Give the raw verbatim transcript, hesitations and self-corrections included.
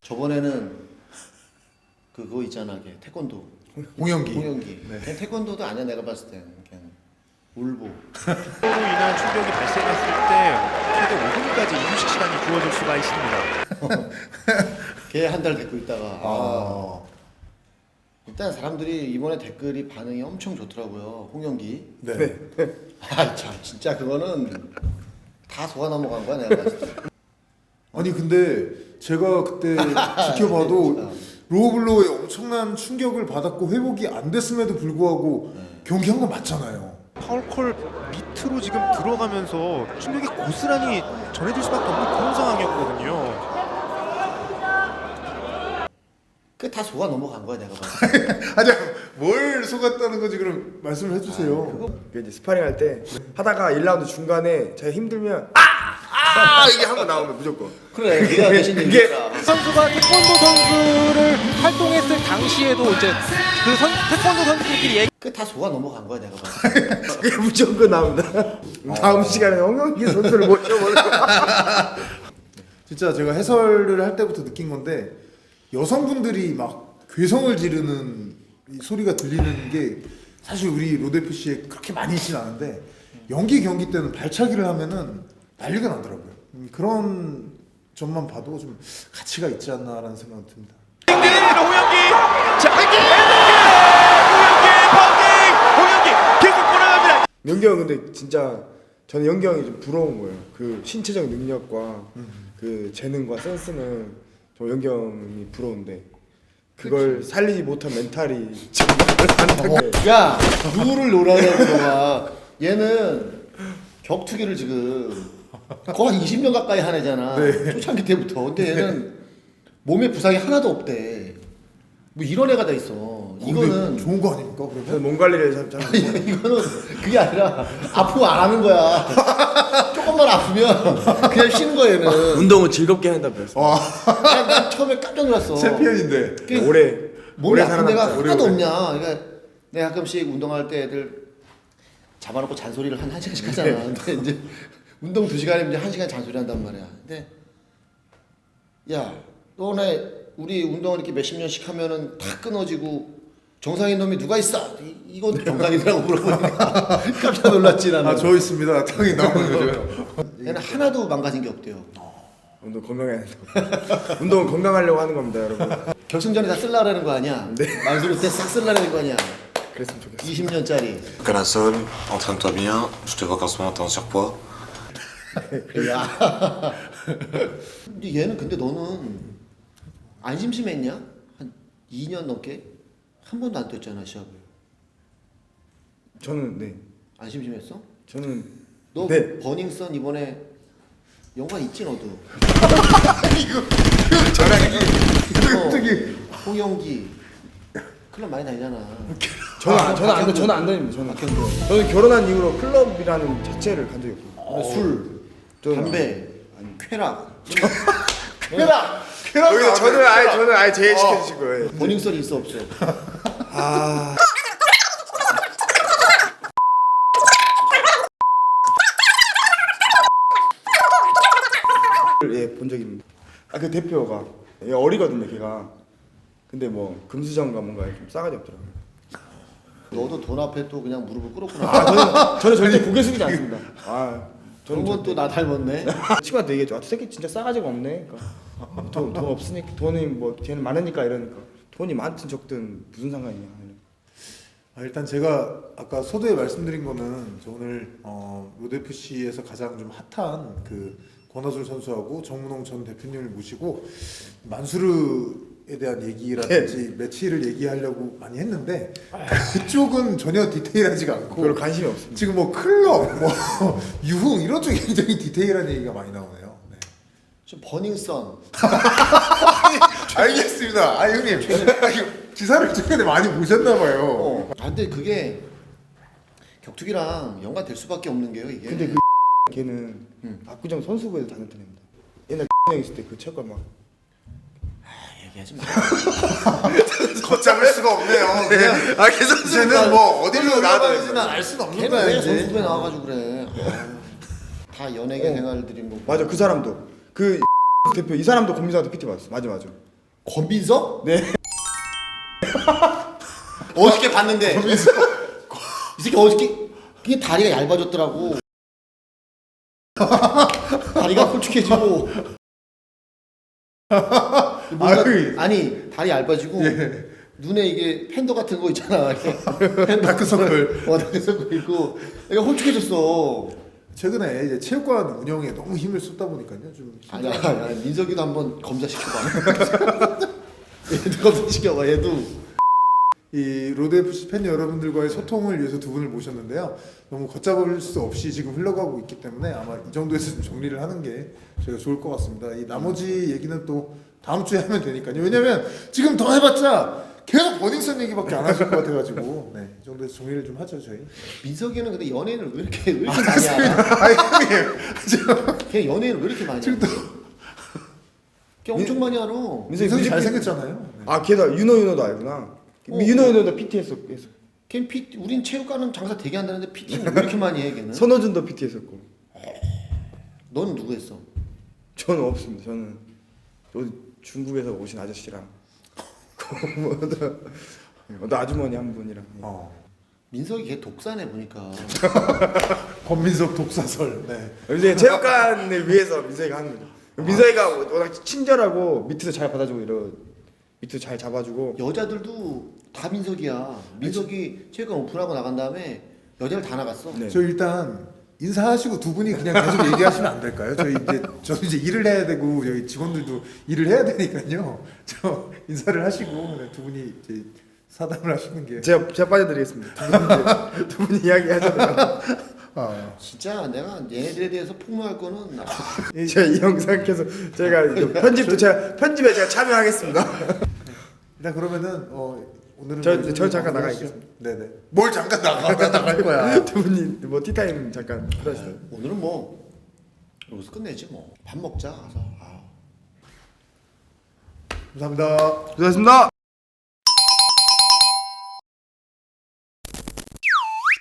저번에는 그거 있잖아, 걔 태권도. 홍영기. 홍영기. 네. 걔 태권도도 아니야 내가 봤을 땐. 그냥 울보. 로 인한 충격이 발생했을 때 최대 오 분까지 휴식 시간이 주어질 수가 있습니다. 걔 한 달 데리고 있다가 아. 아. 일단 사람들이 이번에 댓글이 반응이 엄청 좋더라고요. 홍영기. 네. 아 참 진짜 그거는 다 속아 넘어간 거야 내가 봤을 때. 아니 근데 제가 그때 지켜봐도 로블로에 엄청난 충격을 받았고 회복이 안 됐음에도 불구하고 경기한 건 맞잖아요. 파울콜 밑으로 지금 들어가면서 충격이 고스란히 전해질 수밖에 없는 그런 상황이었거든요. 그 다 속아 넘어간 거야 내가 봤을 때. 아니 뭘 속았다는 건지 그럼 말씀을 해주세요. 아, 그거 그 이제 스파링 할 때 하다가 일 라운드 중간에 제가 힘들면 아아 이게 한 번 나오면 무조건 그래 네가 대신 얘기해라. 선수가 태권도 선수를 활동했을 당시에도 이제 그 선, 태권도 선수들끼리 얘기 그 다 속아 넘어간 거야 내가 봤을 때. 그게 무조건 나옵니다. 다음 시간에 홍영기 선수를 모셔보는 거. 진짜 제가 해설을 할 때부터 느낀 건데 여성분들이 막 괴성을 지르는 이 소리가 들리는 게 사실 우리 로드에프씨에 그렇게 많이 있진 않은데 연기 경기 때는 발차기를 하면은 난리가 나더라고요. 음, 그런 점만 봐도 좀 가치가 있지 않나라는 생각이 듭니다. 땡땡입니다 홍영기. 자 홍영기 파운딩. 홍영기 계속 돌아갑니다. 영기 형 근데 진짜 저는 영기 형이 좀 부러운 거예요. 그 신체적 능력과 그 재능과 센스는 저 영기 형이 부러운데 그걸 그치. 살리지 못한 멘탈이 정말 야 누구를 놀아내는 거야. 얘는 격투기를 지금 거의 이십 년 가까이 한 애잖아. 네. 초창기 때부터. 근데 얘는 몸에 부상이 하나도 없대. 뭐 이런 애가 다 있어. 이거는 좋은 거 아닙니까 저는 그러면? 몸 관리를 잘 잘. 이거는 그게 아니라 아프면 안 하는 거야. 조금만 아프면 그냥 쉬는 거야 얘는. 운동을 즐겁게 한다 그랬어. 난, 난 처음에 깜짝 놀랐어. 챔피언인데. 그 오래 몸이 오래 아픈 데가 살아남자. 하나도 없냐. 그러니까 내가 가끔씩 운동할 때 애들 잡아놓고 잔소리를 한 한 시간씩 하잖아. 근데 이제 운동 두 시간이면 이제 한 시간 잔소리 한단 말이야. 근데 야 너네 우리 운동을 이렇게 몇십 년씩 하면은 다 끊어지고 정상인 놈이 누가 있어? 이, 이건 정상이라고 물어보니까 깜짝 놀랐지 나는. 아저 있습니다. 당연히 나오는 거죠. 얘는 하나도 망가진 게 없대요. 운동 건강해야 된다. 운동은 건강하려고 하는 겁니다, 여러분. 결승전에 다 쓸라라는 거 아니야? 네. 만수르 때 싹 쓸라라는 거 아니야? 그랬으면 좋겠어. 이십 년짜리. Canasol, entraîne-toi bien. Je te vois qu'en ce moment t'es en surpoids. 야. 근데 얘는 근데 너는 안 심심했냐? 한 이 년 넘게 한 번도 안 뛰었잖아 시합을. 저는 네. 안 심심했어? 저는 너 네. 그 버닝썬 이번에 영화 있지 너도. 격투기. 어, 홍영기 클럽 많이 다니잖아. 저는 안, 저는 안 저는 안 다닙니다. 저는 박현도. 저는 결혼한 이후로 클럽이라는 자체를 간 적이 없어요. 어, 술, 저는- 담배, 쾌락. 쾌락. 여기서 저는 아예 저는 아예 제외시켜 주신 거예요. 버닝썬이 있어 없어? 아. 예, 본 적이 있습니다. 아, 그 대표가 얘 어리거든요, 걔가. 근데 뭐 금수저인가 뭔가 좀 싸가지 없더라고요. 너도 돈 앞에 또 그냥 무릎을 꿇었구나. 아, 저는 저는 절대 고개 숙이지 않습니다. 아, 저런 건 또 나 닮았네. 친구한테 얘기했죠. 아, 저 새끼 진짜 싸가지가 없네. 그러니까 돈, 돈 없으니까 돈이 뭐 걔는 많으니까 이러니까 돈이 많든 적든 무슨 상관이냐. 아, 일단 제가 아까 서두에 말씀드린 거는 저 오늘 어, 로드에프씨에서 가장 좀 핫한 그 권하솔 선수하고 정문홍 전 대표님을 모시고 만수르에 대한 얘기라든지 매치를 얘기하려고 많이 했는데 그쪽은 전혀 디테일하지가 않고 별로 관심이 없습니다. 지금 뭐 클럽, 뭐 유흥 이런 쪽이 굉장히 디테일한 얘기가 많이 나오네요. 네. 좀 버닝썬. 알겠습니다. 아 형님 기사를 최근에 많이 보셨나 봐요. 어. 아, 근데 그게 격투기랑 연관될 수밖에 없는 게요 이게. 근데 그 걔는 응. 압구정 선수부에서 다녔던 애입니다. 옛날 형 있을 때 그 체육관 막 얘기하지 마. 걷잡을 수가 없네요. 그냥 아, 계속 이제는 뭐 어디로 나와도 알 수는 없는 걔는 거야 왜 이제. 선수부에 나와가지고 그래. 아유, 다 연예계 어. 생활들이 뭐. 맞아, 그 사람도 그 대표 이 사람도 권민상한테 피티 받았어. 맞아, 맞아. 권민석? 네. 어저께 봤는데 이 새끼 어저께 그게 다리가 얇아졌더라고. 다리가 홀쭉해지고 뭔가, 아유. 아니 다리 얇아지고 예. 눈에 이게 팬더 같은 거 있잖아. 다크서클. 어 다크서클 있고 얘가 홀쭉해졌어. 최근에 이제 체육관 운영에 너무 힘을 쏟다 보니까요 좀 아니야, 아니야 민석이도 한번 검사시켜봐. 얘도 검사시켜봐 얘도. 이 로드에프씨 팬 여러분들과의 소통을 위해서 두 분을 모셨는데요. 너무 걷잡을 수 없이 지금 흘러가고 있기 때문에 아마 이 정도에서 좀 정리를 하는 게 저희가 좋을 것 같습니다. 이 나머지 얘기는 또 다음 주에 하면 되니까요. 왜냐면 지금 더 해봤자 계속 버닝썬 얘기밖에 안 하실 것 같아가지고 네, 이 정도에서 정리를 좀 하죠 저희. 민석이는 근데 연예인을 왜 이렇게 왜 이렇게 많이 하냐? 아니 형님, 걔 연예인을 왜 이렇게 많이 하냐? 걔 엄청 많이 알아. 민석이 민석이 뮤직비- 잘생겼잖아요. 네. 아 걔다 윤호 윤호도 알구나. 어. 윤호 윤호도 피티 했었고 했어. 걔 피, 우린 체육관은 장사 되게 한다는데 피티는 왜 이렇게 많이 해 걔는? 선호준도 피티 했었고. 넌 누구 했어? 저는 없습니다. 저는 또 중국에서 오신 아저씨랑 또 아주머니 한 분이랑. 어. 민석이 걔 독사네 보니까. 권민석 독사설. 네. 근데 체육관을 위해서 민석이가 하는 거죠. 민석이가 워낙 친절하고 밑에서 잘 받아주고 이러 밑에서 잘 잡아주고. 여자들도 다 민석이야. 민석이 체육관 오픈하고 나간 다음에 여자를 다 나갔어. 네. 저 일단 인사하시고 두 분이 그냥 계속 얘기하시면 안 될까요? 저희 이제 저 이제 일을 해야 되고 여기 직원들도 일을 해야 되니까요. 저 인사를 하시고 네, 두 분이 이제 사담을 하시는 게. 제가 제가 빠져드리겠습니다. 두 분, 두 분이 이야기하잖아요. 아, 진짜 내가 얘네들에 대해서 폭로할 거는 나- 제가 이 영상 계속 제가 이거 편집도 제가 편집에 제가 참여하겠습니다. 일단 그러면은 어 오늘은 저- 뭐 저 잠깐 마무리하시죠. 나가겠습니다. 네네. 뭘 잠깐 나가? 왜 나갈 거야? 두 분이 뭐 티타임 잠깐 하시죠. 오늘은 뭐 여기서 끝내지 뭐. 밥 먹자 가서. 아. 감사합니다. 고생하셨습니다.